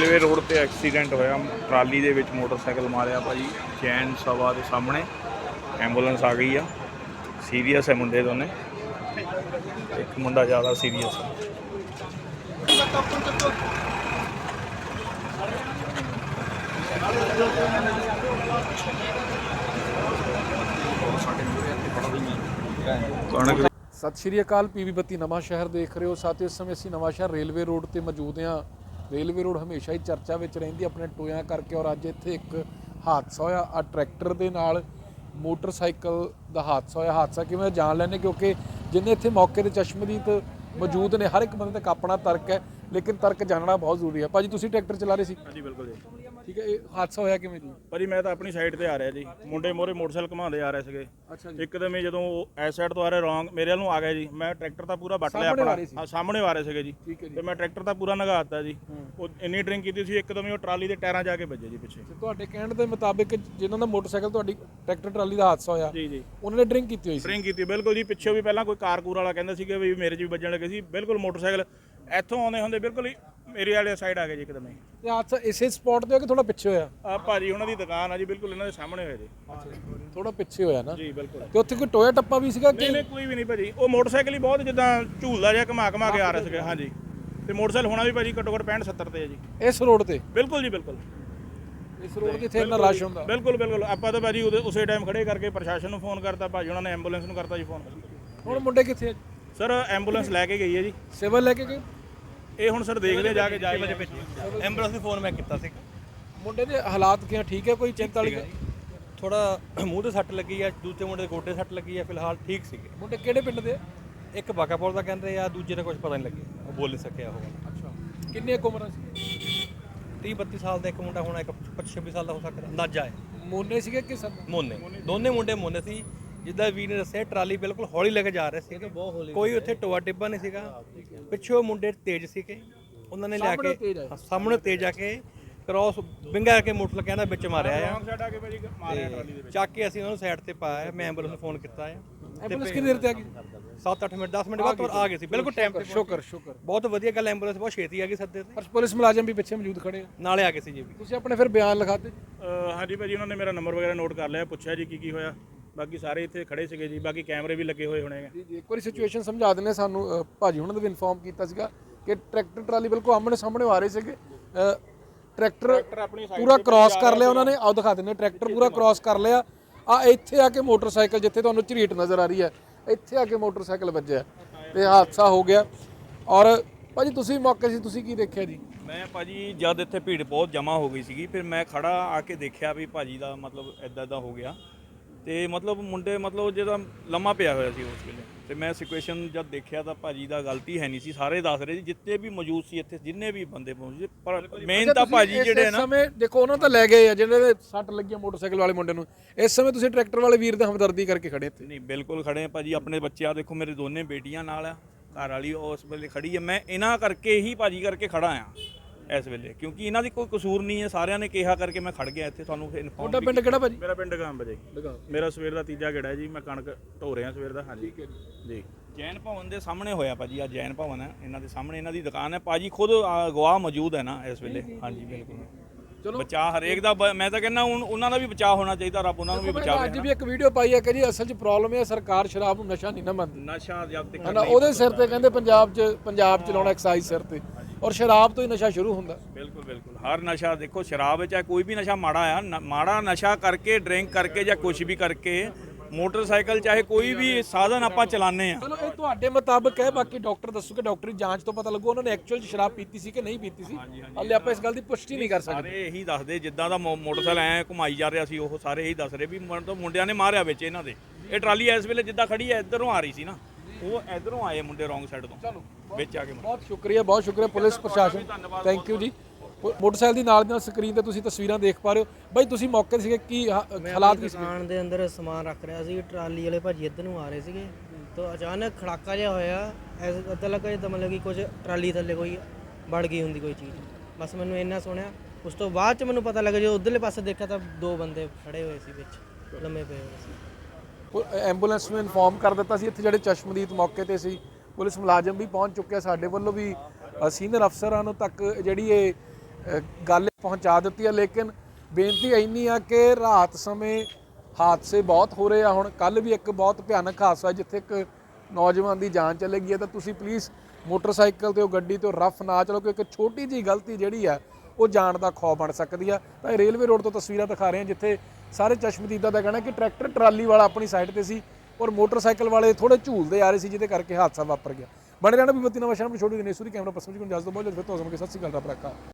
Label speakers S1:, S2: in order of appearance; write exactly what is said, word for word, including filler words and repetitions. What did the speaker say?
S1: Railway road ਤੇ accident ਹੋਇਆ, trolley ਦੇ ਵਿੱਚ ਮੋਟਰਸਾਈਕਲ ਮਾਰਿਆ ਭਾਜੀ ਜੈਨ ਸਭਾ ਦੇ ਸਾਹਮਣੇ। ਐਂਬੂਲੈਂਸ ਆ ਗਈ ਆ, ਸੀਰੀਅਸ ਹੈ ਮੁੰਡੇ ਦੋਨੇ, ਇੱਕ ਮੁੰਡਾ ਜ਼ਿਆਦਾ ਸੀਰੀਅਸ ਹੈ। ਕਣਕ
S2: ਸਤਿ ਸ਼੍ਰੀ ਅਕਾਲ। ਪੀਵੀ ਬੱਤੀ ਨਵਾਂ ਸ਼ਹਿਰ ਦੇਖ ਰਹੇ ਹੋ ਸਾਥੀਓ। ਇਸ ਸਮੇਂ ਅਸੀਂ ਨਵਾਂ ਸ਼ਹਿਰ ਰੇਲਵੇ ਰੋਡ ਤੇ ਮੌਜੂਦ ਹਾਂ। ਰੇਲਵੇ ਰੋਡ ਹਮੇਸ਼ਾ ਹੀ ਚਰਚਾ ਵਿੱਚ ਰਹਿੰਦੀ ਆਪਣੇ ਟੋਇਆਂ ਕਰਕੇ, ਔਰ ਅੱਜ ਇੱਥੇ ਇੱਕ ਹਾਦਸਾ ਹੋਇਆ। ਆ ਟਰੈਕਟਰ ਦੇ ਨਾਲ ਮੋਟਰਸਾਈਕਲ ਦਾ ਹਾਦਸਾ ਹੋਇਆ। ਹਾਦਸਾ ਕਿਵੇਂ ਜਾਣ ਲੈਣੇ, ਕਿਉਂਕਿ ਜਿੰਨੇ ਇੱਥੇ ਮੌਕੇ ਤੇ ਚਸ਼ਮਦੀਦ ਮੌਜੂਦ ਨੇ, ਹਰ ਇੱਕ ਬੰਦੇ ਤੱਕ ਆਪਣਾ ਤਰਕ ਹੈ, ਲੇਕਿਨ ਤਰਕ ਜਾਣਨਾ ਬਹੁਤ ਜ਼ਰੂਰੀ ਹੈ। ਭਾਜੀ ਤੁਸੀਂ ਟਰੈਕਟਰ ਚਲਾ ਰਹੇ ਸੀ?
S1: ਹਾਂਜੀ ਬਿਲਕੁਲ ਜੀ।
S2: ਠੀਕ ਹੈ, ਇਹ ਹਾਦਸਾ ਹੋਇਆ ਕਿਵੇਂ ਜੀ?
S1: ਭਾਜੀ ਮੈਂ ਤਾਂ ਆਪਣੀ ਸਾਈਡ ਤੇ ਆ ਰਿਹਾ ਜੀ, ਮੁੰਡੇ ਮੋਰੇ ਮੋਟਰਸਾਈਕਲ ਘੁਮਾਉਂਦੇ ਆ ਰਹੇ ਸੀਗੇ।
S2: ਅੱਛਾ ਜੀ।
S1: ਇੱਕਦਮ ਹੀ ਜਦੋਂ ਐਸ ਸਾਈਡ ਤੋਂ ਆ ਰਹੇ ਰੌਂਗ ਮੇਰੇ ਵੱਲ ਨੂੰ ਆ ਗਿਆ ਜੀ। ਮੈਂ ਟਰੈਕਟਰ ਤਾਂ ਪੂਰਾ ਵੱਟ ਲਿਆ ਆਪਣਾ, ਹਾਂ ਸਾਹਮਣੇ ਆ ਰਹੇ ਸੀਗੇ ਜੀ, ਤੇ ਮੈਂ ਟਰੈਕਟਰ ਤਾਂ ਪੂਰਾ ਨਗਾ ਦਿੱਤਾ ਜੀ। ਉਹ ਇੰਨੀ ਡਰਿੰਕ ਕੀਤੀ ਸੀ, ਇੱਕਦਮ ਹੀ ਉਹ ਟਰਾਲੀ ਦੇ ਟਾਇਰਾਂ ਜਾ ਕੇ ਵੱਜੇ ਜੀ ਪਿੱਛੇ।
S2: ਤੁਹਾਡੇ ਕਹਿਣ ਦੇ ਮੁਤਾਬਿਕ ਜਿਨ੍ਹਾਂ ਦਾ ਮੋਟਰਸਾਈਕਲ ਤੁਹਾਡੀ ਟਰੈਕਟਰ ਟਰਾਲੀ ਦਾ ਹਾਦਸਾ ਹੋਇਆ,
S1: ਜੀ ਜੀ,
S2: ਉਹਨਾਂ ਨੇ ਡਰਿੰਕ ਕੀਤੀ ਹੋਈ ਸੀ?
S1: ਡਰਿੰਕ ਕੀਤੀ ਬਿਲਕੁਲ ਜੀ। ਪਿੱਛੋਂ ਵੀ ਪਹਿਲਾਂ ਕੋਈ ਕਾਰਕੂਰ ਵਾਲਾ ਕਹਿੰਦਾ ਸੀਗਾ ਵੀ ਮੇਰੇ 'ਚ ਵੀ ਵੱਜਣ ਲੱਗੇ ਸੀ। ਬਿਲਕੁਲ ਮੋਟਰਸਾਈਕਲ ਇੱਥੋਂ ਆਉਂਦੇ ਹੁੰਦੇ ਬਿਲਕੁਲ ਹੀ ਮੇਰੇ ਵਾਲੇ ਸਾਈਡ ਆ ਗਏ ਜੀ ਇੱਕਦਮ ਹੀ।
S2: ਤੇ ਹਾਦਸਾ ਇਸੇ ਸਪੌਟ ਤੇ ਹੋ ਕਿ ਥੋੜਾ ਪਿੱਛੇ ਹੋਇਆ?
S1: ਆ ਭਾਜੀ ਉਹਨਾਂ ਦੀ ਦੁਕਾਨ ਆ ਜੀ, ਬਿਲਕੁਲ ਇਹਨਾਂ ਦੇ ਸਾਹਮਣੇ ਹੋਏ ਜੀ।
S2: ਥੋੜਾ ਪਿੱਛੇ ਹੋਇਆ ਨਾ
S1: ਜੀ ਬਿਲਕੁਲ।
S2: ਤੇ ਉੱਥੇ ਕੋਈ ਟੋਇਆ ਟੱਪਾ ਵੀ ਸੀਗਾ ਕਿ
S1: ਨਹੀਂ ਨਹੀਂ ਕੋਈ ਵੀ ਨਹੀਂ ਭਾਜੀ। ਉਹ ਮੋਟਰਸਾਈਕਲ ਹੀ ਬਹੁਤ ਜਿੱਦਾਂ ਝੂਲਦਾ ਜਿਹਾ ਘੁਮਾ ਘੁਮਾ ਕੇ ਆ ਰਹੇ ਸੀਗੇ। ਹਾਂਜੀ, ਤੇ ਮੋਟਰਸਾਈਕਲ ਹੋਣਾ ਵੀ ਭਾਜੀ ਘੱਟੋ ਘੱਟ ਪੈਂਹਠ ਸੱਤਰ ਤੇ ਹੈ ਜੀ।
S2: ਇਸ ਰੋਡ ਤੇ?
S1: ਬਿਲਕੁਲ ਜੀ ਬਿਲਕੁਲ।
S2: ਇਸ ਰੋਡ ਤੇ ਇੱਥੇ ਇੰਨਾ ਰਸ਼ ਹੁੰਦਾ?
S1: ਬਿਲਕੁਲ ਬਿਲਕੁਲ। ਆਪਾਂ ਤਾਂ ਭਾਜੀ ਉਹਦੇ ਉਸੇ ਟਾਈਮ ਖੜੇ ਕਰਕੇ ਪ੍ਰਸ਼ਾਸਨ ਨੂੰ ਫੋਨ ਕਰਤਾ, ਭਾਜੀ ਉਹਨਾਂ ਨੇ ਐਂਬੂਲੈਂਸ ਨੂੰ ਕਰਤਾ ਜੀ ਫੋਨ।
S2: ਹੁਣ ਮੁੰਡੇ ਕਿੱਥੇ ਆ?
S1: ਸਰ ਐਂਬੂਲੈਂਸ ਲੈ ਕੇ ਗਈ ਹੈ ਜੀ।
S2: ਸਿਵਲ ਲੈ ਕੇ ਗਏ?
S1: ਇਹ ਹੁਣ ਸਰ ਦੇਖਦੇ ਜਾ ਕੇ ਜਾਏ
S3: ਐਂਬੂਲੈਂਸ ਨੂੰ ਫੋਨ ਮੈਂ ਕੀਤਾ ਸੀ।
S2: ਮੁੰਡੇ ਦੇ ਹਾਲਾਤ ਕਿਵੇਂ, ਠੀਕ ਹੈ? ਕੋਈ ਚਿੰਤਾ ਵਾਲੀ?
S3: ਥੋੜਾ ਮੂੰਹ ਤੇ ਸੱਟ ਲੱਗੀ ਆ, ਦੂਜੇ ਮੁੰਡੇ ਦੇ ਗੋਡੇ ਸੱਟ ਲੱਗੀ ਆ, ਫਿਲਹਾਲ ਠੀਕ ਸੀਗੇ।
S2: ਮੁੰਡੇ ਕਿਹੜੇ ਪਿੰਡ ਦੇ?
S3: ਇੱਕ ਬਾਕਾਪੁਰ ਦਾ ਕਹਿੰਦੇ ਆ, ਦੂਜੇ ਦਾ ਕੁਝ ਪਤਾ ਨਹੀਂ ਲੱਗਿਆ, ਉਹ ਬੋਲ ਨਹੀਂ ਸਕਿਆ ਉਹ।
S2: ਅੱਛਾ, ਕਿੰਨੀ ਕੁ ਉਮਰ ਸੀ?
S3: ਤੀਹ ਬੱਤੀ ਸਾਲ ਦਾ ਇੱਕ ਮੁੰਡਾ ਹੋਣਾ, ਇੱਕ ਪੱਚੀ ਛੱਬੀ ਸਾਲ ਦਾ ਹੋ ਸਕਦਾ, ਅੰਦਾਜ਼ਾ ਹੈ।
S2: ਮੋਨੇ ਸੀਗੇ ਕਿ ਸਰ?
S3: ਮੋਨੇ, ਦੋਨੇ ਮੁੰਡੇ ਮੋਨੇ ਸੀ। ਜਿੱਦਾਂ ਵੀਰ ਨੇ ਦੱਸਿਆ, ਟਰਾਲੀ ਬਿਲਕੁਲ ਹੌਲੀ ਲੈ ਕੇ ਜਾ ਰਹੇ ਸੀ, ਕੋਈ ਉੱਥੇ ਟੋਆ ਟਿੱਬਾ ਨਹੀਂ ਸੀਗਾ। ਪਿੱਛੋਂ ਮੁੰਡੇ ਤੇਜ਼ ਸੀਗੇ, ਉਹਨਾਂ ਨੇ ਲਿਆ ਕੇ ਸਾਹਮਣੇ ਤੇਜ਼ ਆ ਕੇ ਕ੍ਰੋਸ ਵਿੰਗਾ ਕੇ ਮੋਟਰ ਕਹਿੰਦਾ ਵਿੱਚ ਮਾਰਿਆ ਆ, ਚੱਕ ਕੇ ਅਸੀਂ ਉਹਨੂੰ ਸਾਈਡ ਤੇ ਪਾਇਆ। ਮੈਂ ਐਂਬੂਲੈਂਸ ਨੂੰ ਫੋਨ ਕੀਤਾ ਆ।
S2: ਐਂਬੂਲੈਂਸ ਕਿੰਨੀ ਦੇਰ ਤੇ ਆ ਗਈ?
S3: ਸੱਤ ਅੱਠ ਮਿੰਟ ਦਸ ਮਿੰਟ ਬਾਅਦ ਆ ਗਏ ਸੀ, ਬਿਲਕੁਲ ਟਾਈਮ ਤੇ।
S2: ਸ਼ੁਕਰ ਸ਼ੁਕਰ,
S3: ਬਹੁਤ ਵਧੀਆ ਗੱਲ, ਐਂਬੂਲੈਂਸ ਬਹੁਤ ਛੇਤੀ ਆ ਗਈ ਸੱਦੇ ਤੇ।
S2: ਪਰ ਪੁਲਿਸ ਮੁਲਾਜ਼ਮ ਵੀ ਪਿੱਛੇ ਮੌਜੂਦ ਖੜੇ ਆ,
S3: ਨਾਲੇ ਆ ਗਏ ਸੀ ਜੀ।
S2: ਤੁਸੀਂ ਆਪਣੇ ਫਿਰ ਬਿਆਨ ਲਿਖਾਤੇ?
S1: ਹਾਂਜੀ ਭਾਜੀ, ਉਹਨਾਂ ਨੇ ਮੇਰਾ ਨੰਬਰ ਵਗੈਰਾ ਨੋਟ ਕਰ ਲਿਆ, ਪੁੱਛਿਆ ਜੀ ਕੀ ਕੀ ਹੋਇਆ। ਬਾਕੀ ਸਾਰੇ ਇੱਥੇ ਖੜੇ ਸੀਗੇ ਜੀ, ਬਾਕੀ ਕੈਮਰੇ ਵੀ ਲੱਗੇ ਹੋਏ ਹੋਣੇ।
S2: ਜੀ ਜੀ, ਇੱਕ ਵਾਰੀ ਸਿਚੁਏਸ਼ਨ ਸਮਝਾ ਦਿੰਦੇ ਸਾਨੂੰ। ਭਾਜੀ ਉਹਨਾਂ ਨੇ ਵੀ ਇਨਫੋਰਮ ਕੀਤਾ ਸੀਗਾ ਕਿ ਟਰੈਕਟਰ ਟਰਾਲੀ ਬਿਲਕੁਲ ਆਮਣੇ ਸਾਹਮਣੇ ਆ ਰਹੇ ਸੀਗੇ। ਟਰੈਕਟਰ ਪੂਰਾ ਕ੍ਰਾਸ ਕਰ ਲਿਆ ਉਹਨਾਂ ਨੇ। ਆਓ ਦਿਖਾ ਦਿੰਦੇ, ਟਰੈਕਟਰ ਪੂਰਾ ਕ੍ਰਾਸ ਕਰ ਲਿਆ। ਆ ਇੱਥੇ ਆ ਕੇ ਮੋਟਰਸਾਈਕਲ, ਜਿੱਥੇ ਤੁਹਾਨੂੰ ਝਰੀਟ ਨਜ਼ਰ ਆ ਰਹੀ ਹੈ, ਇੱਥੇ ਆ ਕੇ ਮੋਟਰਸਾਈਕਲ ਵੱਜਿਆ ਤੇ ਹਾਦਸਾ ਹੋ ਗਿਆ। ਔਰ ਭਾਜੀ ਤੁਸੀਂ ਮੌਕੇ ਸੀ, ਤੁਸੀਂ ਕੀ ਦੇਖਿਆ ਜੀ?
S1: ਮੈਂ ਭਾਜੀ ਜਦ ਇੱਥੇ ਭੀੜ ਬਹੁਤ ਜਮ੍ਹਾਂ ਹੋ ਗਈ ਸੀਗੀ, ਫਿਰ ਮੈਂ ਖੜਾ ਆ ਕੇ ਦੇਖਿਆ ਵੀ ਭਾਜੀ ਦਾ ਮਤਲਬ ਇੱਦਾਂ ਇੱਦਾਂ ਹੋ ਗਿਆ, ਤੇ ਮਤਲਬ ਮੁੰਡੇ ਮਤਲਬ ਜਿਹਦਾ ਲੰਮਾ ਪਿਆ ਹੋਇਆ ਸੀ ਉਸ ਵੇਲੇ। ਤੇ ਮੈਂ ਸਿਚੁਏਸ਼ਨ ਜਦ ਦੇਖਿਆ ਤਾਂ ਭਾਜੀ ਦਾ ਗਲਤੀ ਹੈ ਨਹੀਂ ਸੀ, ਸਾਰੇ ਦੱਸ ਰਹੇ ਸੀ ਜਿੱਤੇ ਵੀ ਮੌਜੂਦ ਸੀ ਇੱਥੇ, ਜਿੰਨੇ ਵੀ ਬੰਦੇ ਪਹੁੰਚੇ। ਪਰ ਮੇਨ ਤਾਂ ਭਾਜੀ ਜਿਹੜੇ ਨਾ,
S2: ਸਮੇਂ ਦੇਖੋ ਉਹਨਾਂ ਤਾਂ ਲੈ ਗਏ ਆ ਜਿਹਨਾਂ ਦੇ ਸੱਟ ਲੱਗੀਆਂ ਮੋਟਰਸਾਈਕਲ ਵਾਲੇ ਮੁੰਡੇ ਨੂੰ। ਇਸ ਸਮੇਂ ਤੁਸੀਂ ਟਰੈਕਟਰ ਵਾਲੇ ਵੀਰ ਦਾ ਹਮਦਰਦੀ ਕਰਕੇ ਖੜੇ ਇੱਥੇ?
S1: ਨਹੀਂ ਬਿਲਕੁਲ ਖੜੇ ਆ ਭਾਜੀ। ਆਪਣੇ ਬੱਚੇ ਆ ਦੇਖੋ, ਮੇਰੇ ਦੋਨੇ ਬੇਟੀਆਂ ਨਾਲ ਆ, ਘਰ ਵਾਲੀ ਉਸ ਵੇਲੇ ਖੜੀ ਹੈ। ਮੈਂ ਇਹਨਾਂ ਕਰਕੇ ਹੀ ਭਾਜੀ ਕਰਕੇ ਖੜਾ ਆ ਇਸ ਵੇਲੇ, ਕਿਉਂਕਿ ਇਹਨਾਂ ਦੀ ਕੋਈ ਕਸੂਰ ਨਹੀਂ ਹੈ, ਸਾਰਿਆਂ ਨੇ ਕਿਹਾ ਕਰਕੇ ਮੈਂ ਖੜ ਗਿਆ ਇੱਥੇ। ਤੁਹਾਨੂੰ ਇਨਫੋਰਮ।
S2: ਤੁਹਾਡਾ ਪਿੰਡ ਕਿਹੜਾ ਭਾਜੀ?
S1: ਮੇਰਾ ਪਿੰਡ ਗਾਂਬ ਜੀ। ਮੇਰਾ ਸਵੇਰ ਦਾ ਤੀਜਾ ਗੇੜਾ ਹੈ ਜੀ, ਮੈਂ ਕਣਕ ਢੋ ਰਿਹਾ ਸਵੇਰ ਦਾ। ਹਾਂਜੀ ਜੀ। ਜੈਨ ਭਵਨ ਦੇ ਸਾਹਮਣੇ ਹੋਇਆ ਭਾਜੀ, ਆ ਜੈਨ ਭਵਨ ਹੈ, ਇਹਨਾਂ ਦੇ ਸਾਹਮਣੇ ਇਹਨਾਂ ਦੀ ਦੁਕਾਨ ਹੈ। ਭਾਜੀ ਖੁਦ ਗਵਾਹ ਮੌਜੂਦ ਹੈ ਨਾ ਇਸ ਵੇਲੇ। ਹਾਂਜੀ ਬਿਲਕੁਲ। ਚਲੋ ਬਚਾ ਹਰੇਕ ਦਾ, ਮੈਂ ਤਾਂ ਕਹਿੰਦਾ ਹੁਣ ਉਹਨਾਂ ਦਾ ਵੀ ਬਚਾਅ ਹੋਣਾ ਚਾਹੀਦਾ, ਰੱਬ ਉਹਨਾਂ ਨੂੰ ਵੀ ਬਚਾਵੇ।
S2: ਅੱਜ ਵੀ ਇੱਕ ਵੀਡੀਓ ਪਾਈ ਹੈ ਕਿ ਜੀ ਅਸਲ 'ਚ ਪ੍ਰੋਬਲਮ ਇਹ ਸਰਕਾਰ ਸ਼ਰਾਬ ਨੂੰ ਨਸ਼ਾ ਨਹੀਂ ਨਾ ਮੰਨਦੀ।
S1: ਨਸ਼ਾ ਜਦ ਤੱਕ
S2: ਹਨਾ, ਉਹਦੇ ਸਿਰ ਤੇ ਕਹਿੰਦੇ ਪੰਜਾਬ 'ਚ ਪੰਜਾਬ ਚਲਾਉਣਾ ਐਕਸਾਈਜ਼ ਸਿਰ ਤੇ, ਔਰ ਸ਼ਰਾਬ ਤੋਂ ਹੀ ਨਸ਼ਾ ਸ਼ੁਰੂ ਹੁੰਦਾ।
S1: ਬਿਲਕੁਲ ਬਿਲਕੁਲ। ਹਰ ਨਸ਼ਾ ਦੇਖੋ, ਸ਼ਰਾਬ ਵਿੱਚ ਕੋਈ ਵੀ ਨਸ਼ਾ ਮਾੜਾ ਆ, ਮਾੜਾ ਨਸ਼ਾ ਕਰਕੇ, ਡਰਿੰਕ ਕਰਕੇ ਜਾਂ ਕੁਝ ਵੀ ਕਰਕੇ, ਮੋਟਰਸਾਈਕਲ ਚਾਹੇ ਕੋਈ ਵੀ ਸਾਧਨ ਆਪਾਂ ਚਲਾਉਂਦੇ ਆ।
S2: ਚਲੋ ਇਹ ਤੁਹਾਡੇ ਮੁਤਾਬਕ ਹੈ, ਬਾਕੀ ਡਾਕਟਰ ਦੱਸੂਗੇ, ਡਾਕਟਰੀ ਜਾਂਚ ਤੋਂ ਪਤਾ ਲੱਗੂ ਉਹਨਾਂ ਨੇ ਐਕਚੁਅਲ ਸ਼ਰਾਬ ਪੀਤੀ ਸੀ ਕਿ ਨਹੀਂ ਪੀਤੀ ਸੀ। ਹਾਲੇ ਆਪਾਂ ਇਸ ਗੱਲ ਦੀ ਪੁਸ਼ਟੀ ਨਹੀਂ ਕਰ ਸਕਦੇ।
S1: ਸਾਰੇ ਇਹੀ ਦੱਸਦੇ, ਜਿੱਦਾਂ ਦਾ ਮੋਟਰਸਾਈਕਲ ਐ ਘੁਮਾਈ ਜਾ ਰਿਹਾ ਸੀ, ਉਹ ਸਾਰੇ ਇਹੀ ਦੱਸ ਰਹੇ ਵੀ ਮੁੰਡਿਆਂ ਨੇ ਮਾਰਿਆ ਵਿੱਚ ਇਹਨਾਂ ਦੇ। ਇਹ ਟਰਾਲੀ ਇਸ ਵੇਲੇ ਜਿੱਦਾਂ ਖੜੀ ਹੈ ਇੱਧਰੋਂ ਆ ਰਹੀ ਸੀ ਨਾ, ਉਹ ਇੱਧਰੋਂ ਆਏ ਮੁੰਡੇ ਰੌਂਗ ਸਾਈਡ ਤੋਂ ਵਿੱਚ ਆ ਕੇ।
S2: ਬਹੁਤ ਸ਼ੁਕਰੀਆ, ਬਹੁਤ ਸ਼ੁਕਰੀਆ ਪੁਲਿਸ ਪ੍ਰਸ਼ਾਸਨ, ਥੈਂਕ ਯੂ ਜੀ। ਮੋਟਰਸਾਈਕਲ ਦੀ ਨਾਲ ਨਾਲ ਸਕਰੀਨ ਤੇ ਤੁਸੀਂ ਤਸਵੀਰਾਂ ਦੇਖ ਪਾ ਰਹੇ ਹੋ। ਬਾਈ ਤੁਸੀਂ ਮੌਕੇ ਤੇ ਸੀਗੇ, ਕੀ ਹਾਲਾਤ ਕੀ ਸੀ?
S4: ਦੁਕਾਨ ਦੇ ਅੰਦਰ ਸਮਾਨ ਰੱਖ ਰਿਹਾ ਸੀ, ਟਰਾਲੀ ਵਾਲੇ ਭਾਜੀ ਇੱਧਰ ਨੂੰ ਆ ਰਹੇ ਸੀਗੇ, ਤਾਂ ਅਚਾਨਕ ਖੜਾਕਾ ਜਿਹਾ ਹੋਇਆ। ਇੱਦਾਂ ਲੱਗਾ ਜਿੱਦਾਂ ਮਤਲਬ ਕਿ ਕੁਝ ਟਰਾਲੀ ਥੱਲੇ ਕੋਈ ਵੜ ਗਈ ਹੁੰਦੀ ਕੋਈ ਚੀਜ਼। ਬਸ ਮੈਨੂੰ ਇੰਨਾ ਸੁਣਿਆ। ਉਸ ਤੋਂ ਬਾਅਦ 'ਚ ਮੈਨੂੰ ਪਤਾ ਲੱਗਾ, ਜਦੋਂ ਉੱਧਰਲੇ ਪਾਸੇ ਦੇਖਿਆ ਤਾਂ ਦੋ ਬੰਦੇ ਖੜੇ ਹੋਏ ਸੀ ਵਿੱਚ, ਲੰਮੇ ਪਏ ਹੋਏ ਸੀ।
S2: ਐਂਬੂਲੈਂਸ ਨੂੰ ਇਨਫੋਰਮ ਕਰ ਦਿੱਤਾ ਸੀ। ਇੱਥੇ ਜਿਹੜੇ ਚਸ਼ਮਦੀਦ ਮੌਕੇ ਤੇ ਸੀ, ਪੁਲਿਸ ਮੁਲਾਜ਼ਮ ਵੀ ਪਹੁੰਚ ਚੁੱਕਿਆ। ਸਾਡੇ ਵੱਲੋਂ ਵੀ ਸੀਨੀਅਰ ਅਫਸਰਾਂ ਨੂੰ ਤੱਕ ਜਿਹੜੀ ਇਹ ਅ, ਗੱਲ ਪਹੁੰਚਾ ਦਿੱਤੀ ਹੈ। ਲੇਕਿਨ ਬੇਨਤੀ ਇੰਨੀ ਆ ਕਿ ਰਾਤ ਸਮੇਂ ਹਾਦਸੇ ਬਹੁਤ ਹੋ ਰਹੇ ਆ। ਹੁਣ ਕੱਲ ਵੀ ਇੱਕ ਬਹੁਤ ਭਿਆਨਕ ਹਾਦਸਾ ਜਿੱਥੇ ਇੱਕ ਨੌਜਵਾਨ ਦੀ ਜਾਨ ਚਲੇ ਗਈ ਹੈ। ਤਾਂ ਤੁਸੀਂ ਪਲੀਜ਼ ਮੋਟਰਸਾਈਕਲ ਤੇ ਉਹ ਗੱਡੀ ਤੇ ਰੱਫ ਨਾ ਚਲੋ, ਕਿਉਂਕਿ ਇੱਕ ਛੋਟੀ ਜਿਹੀ ਗਲਤੀ ਜਿਹੜੀ ਆ ਉਹ ਜਾਨ ਦਾ ਖੌਅ ਬਣ ਸਕਦੀ ਆ। ਤਾਂ ਇਹ ਰੇਲਵੇ ਰੋਡ ਤੋਂ ਤਸਵੀਰਾਂ ਦਿਖਾ ਰਹੇ ਹਾਂ ਜਿੱਥੇ ਸਾਰੇ ਚਸ਼ਮਦੀਦਾਂ ਦਾ ਕਹਿਣਾ ਕਿ ਟਰੈਕਟਰ ਟਰਾਲੀ ਵਾਲਾ ਆਪਣੀ ਸਾਈਡ ਤੇ ਸੀ ਔਰ ਮੋਟਰਸਾਈਕਲ ਵਾਲੇ ਥੋੜੇ ਝੂਲਦੇ ਆ ਰਹੇ ਸੀ, ਜਿਹਦੇ ਕਰਕੇ ਹਾਦਸਾ ਵਾਪਰ ਗਿਆ। ਬਣੇ ਰਹਿਣਾ ਵੀ ਬੱਤੀ ਨਵਾਂ ਸ਼ਹਿਰ ਵਿੱਚ ਛੋਟੀ ਦਿਨੇਸ਼ੂਰੀ ਕੈਮਰਾ ਪਰਸਨ ਜੀ ਕੋਲ ਜਸ ਤੋਂ ਬਹੁਤ ਜਲਦ ਫਿਰ ਤੋਂ ਸਤਿ ਸ਼੍ਰੀ ਅਕਾਲ ਰੱਬ ਰੱਖਾ।